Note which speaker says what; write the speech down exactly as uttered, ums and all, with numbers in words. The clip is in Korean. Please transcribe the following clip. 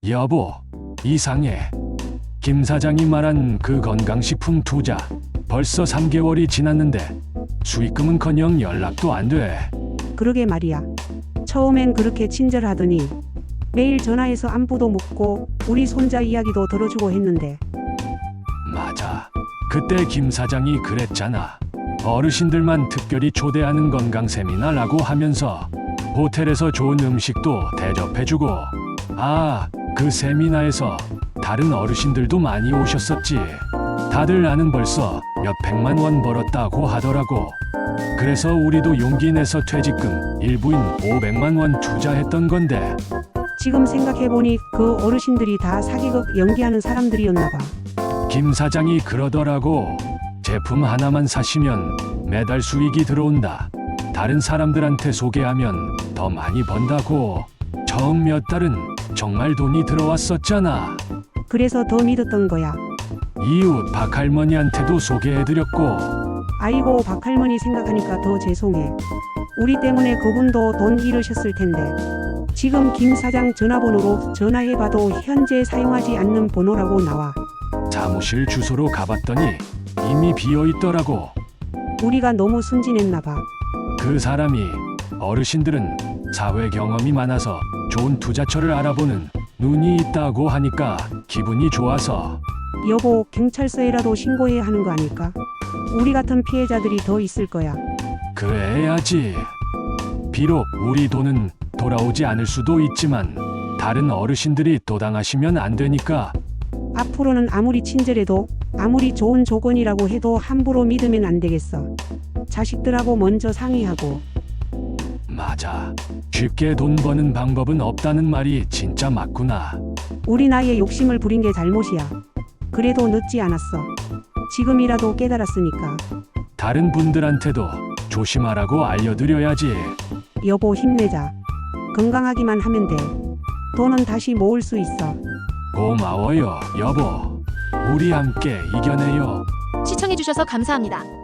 Speaker 1: 여보, 이상해. 김 사장이 말한 그 건강식품 투자 벌써 삼 개월이 지났는데 수익금은커녕 연락도 안 돼.
Speaker 2: 그러게 말이야. 처음엔 그렇게 친절하더니 매일 전화해서 안부도 묻고 우리 손자 이야기도 들어주고 했는데.
Speaker 1: 맞아. 그때 김 사장이 그랬잖아. 어르신들만 특별히 초대하는 건강 세미나라고 하면서 호텔에서 좋은 음식도 대접해주고. 아, 그 세미나에서 다른 어르신들도 많이 오셨었지. 다들 나는 벌써 몇백만 원 벌었다고 하더라고. 그래서 우리도 용기 내서 퇴직금 일부인 오백만 원 투자했던 건데.
Speaker 2: 지금 생각해보니 그 어르신들이 다 사기극 연기하는 사람들이었나 봐.
Speaker 1: 김 사장이 그러더라고. 제품 하나만 사시면 매달 수익이 들어온다. 다른 사람들한테 소개하면 더 많이 번다고. 처음 몇 달은 정말 돈이 들어왔었잖아.
Speaker 2: 그래서 더 믿었던 거야.
Speaker 1: 이웃 박할머니한테도 소개해드렸고.
Speaker 2: 아이고, 박할머니 생각하니까 더 죄송해. 우리 때문에 그분도 돈 잃으셨을 텐데. 지금 김 사장 전화번호로 전화해봐도 현재 사용하지 않는 번호라고 나와.
Speaker 1: 사무실 주소로 가봤더니 이미 비어있더라고.
Speaker 2: 우리가 너무 순진했나 봐.
Speaker 1: 그 사람이 어르신들은 사회 경험이 많아서 좋은 투자처를 알아보는 눈이 있다고 하니까 기분이 좋아서.
Speaker 2: 여보, 경찰서에라도 신고해야 하는 거 아닐까? 우리 같은 피해자들이 더 있을 거야.
Speaker 1: 그래야지. 비록 우리 돈은 돌아오지 않을 수도 있지만 다른 어르신들이 또 당하시면 안 되니까.
Speaker 2: 앞으로는 아무리 친절해도 아무리 좋은 조건이라고 해도 함부로 믿으면 안 되겠어. 자식들하고 먼저 상의하고.
Speaker 1: 맞아. 쉽게 돈 버는 방법은 없다는 말이 진짜 맞구나.
Speaker 2: 우리 나이에 욕심을 부린 게 잘못이야. 그래도 늦지 않았어. 지금이라도 깨달았으니까.
Speaker 1: 다른 분들한테도 조심하라고 알려드려야지.
Speaker 2: 여보, 힘내자. 건강하기만 하면 돼. 돈은 다시 모을 수 있어.
Speaker 1: 고마워요, 여보. 우리 함께 이겨내요.
Speaker 3: 시청해주셔서 감사합니다.